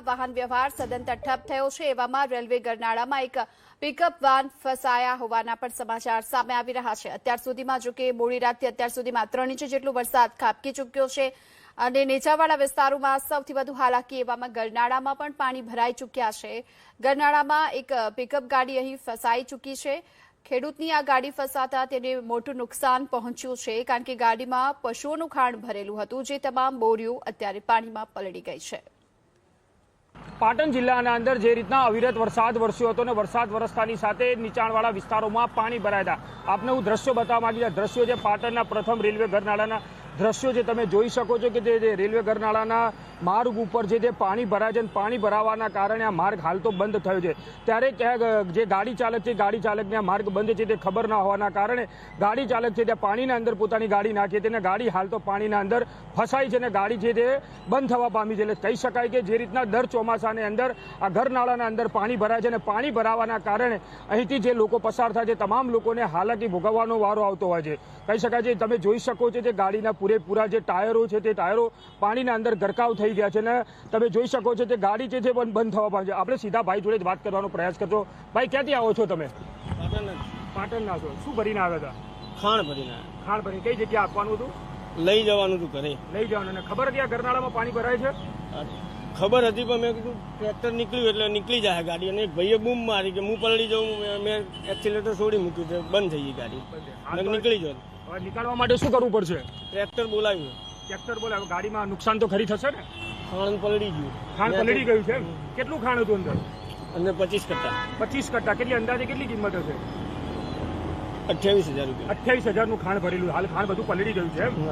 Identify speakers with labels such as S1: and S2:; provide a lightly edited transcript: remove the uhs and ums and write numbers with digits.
S1: વાહન વ્યવહાર સદંતર ઠપ થયો છે। એવામાં રેલવે ગરનાળામાં એક પિકઅપ વાન ફસાયા હોવાના પણ સમાચાર સામે આવી રહ્યા છે। અત્યાર સુધીમાં જો કે મોડી રાતથી અત્યાર સુધીમાં 3 ઇંચ જેટલો વરસાદ ખાબકી ચૂક્યો છે અને નીચાણવાળા વિસ્તારોમાં સૌથી વધુ હાલાકી એવામાં ગરનાળામાં પણ પાણી ભરાઈ ચૂક્યા છે। ગરનાળામાં એક પિકઅપ ગાડી અહીં ફસાઈ ચૂકી છે। ખેડૂતની આ ગાડી ફસાતા તેને મોટું નુકસાન પહોંચ્યું છે કારણ કે ગાડીમાં પશુઓનું ખાણ ભરેલું હતું, જે તમામ બોરીઓ અત્યારે પાણીમાં પલળી ગઈ છે।
S2: પાટણ જિલ્લાના અંદર જે રીતના અવિરત વરસાદ વરસ્યો હતો ને વરસાદ વરસતાની સાથે નીચાણવાળા વિસ્તારોમાં પાણી ભરાયા હતા। આપને હું દ્રશ્યો બતાવવા માંગી છું। દ્રશ્યો જે પાટણના પ્રથમ રેલવે ગરનાળાના દ્રશ્યો જે તમે જોઈ શકો છો કે જે રેલવે ગરનાળાના માર્ગ ઉપર જે પાણી ભરાય છે, પાણી ભરાવાના કારણે આ માર્ગ હાલ તો બંધ થયો છે। ત્યારે જે ગાડી ચાલક છે, ગાડી ચાલકને આ માર્ગ બંધ છે તે ખબર ના હોવાના કારણે ગાડી ચાલક છે તે પાણીના અંદર પોતાની ગાડી નાખી હતી અને ગાડી હાલ તો પાણીના અંદર ફસાઈ છે અને ગાડી છે તે બંધ થવા પામી છે। એટલે કહી શકાય કે જે રીતના દર ચોમાસાની અંદર આ ગરનાળાના અંદર પાણી ભરાય છે અને પાણી ભરાવાના કારણે અહીંથી જે લોકો પસાર થાય છે તમામ લોકોને હાલાકી ભોગવવાનો વારો આવતો હોય છે। કહી શકાય છે તમે જોઈ શકો છો જે ગાડીના પૂરેપૂરા જે ટાયરો છે તે ટાયરો પાણીના અંદર ગરકાવ થઈ ગયા છે અને તમે જોઈ શકો છો કે ગાડી છે તે બંધ થવા પામી છે। આપણે સીધા ભાઈ જોડે વાત કરવાનો પ્રયાસ કરજો। ભાઈ, ક્યાંથી આવો છો તમે? પાટણના છો। શું ભરીને આવ્યા હતા?
S3: ખાણ ભરીને।
S2: ખાણ ભરી કઈ જગ્યાએ આપવાનું હતું?
S3: લઈ જવાનું હતું ઘરે।
S2: લઈ જવાનું। અને ખબર હતી આ ગરનાળામાં પાણી ભરાય છે?
S3: ખબર હતી પણ મેં કીધું ટ્રેક્ટર નીકળ્યું એટલે નીકળી જાય ગાડી, અને એક ભાઈએ બૂમ મારી કે હું પલળી જાઉં, મેં એક્સિલેટર છોડી મૂક્યું તો બંધ થઈ ગઈ ગાડી, નીકળી જાઉં।
S2: હવે નીકળવા માટે શું કરવું પડશે?
S3: ટ્રેક્ટર બોલાવ્યું।
S2: ટ્રેક્ટર બોલાવ્યું। ગાડીમાં નુકસાન તો ખરી થશે ને?
S3: ખાણ પલળી ગયું।
S2: ખાણ પલળી ગયું છે? કેટલું ખાણ હતું અંદર?
S3: અંદર 25 કટ્ટા।
S2: 25 કટ્ટા। કેટલી અંદાજે કેટલી કિંમત હશે?
S3: 28,000 રૂપિયા।
S2: 28,000 નું ખાણ ભરેલું। હાલ ખાણ બધું પલળી ગયું છે।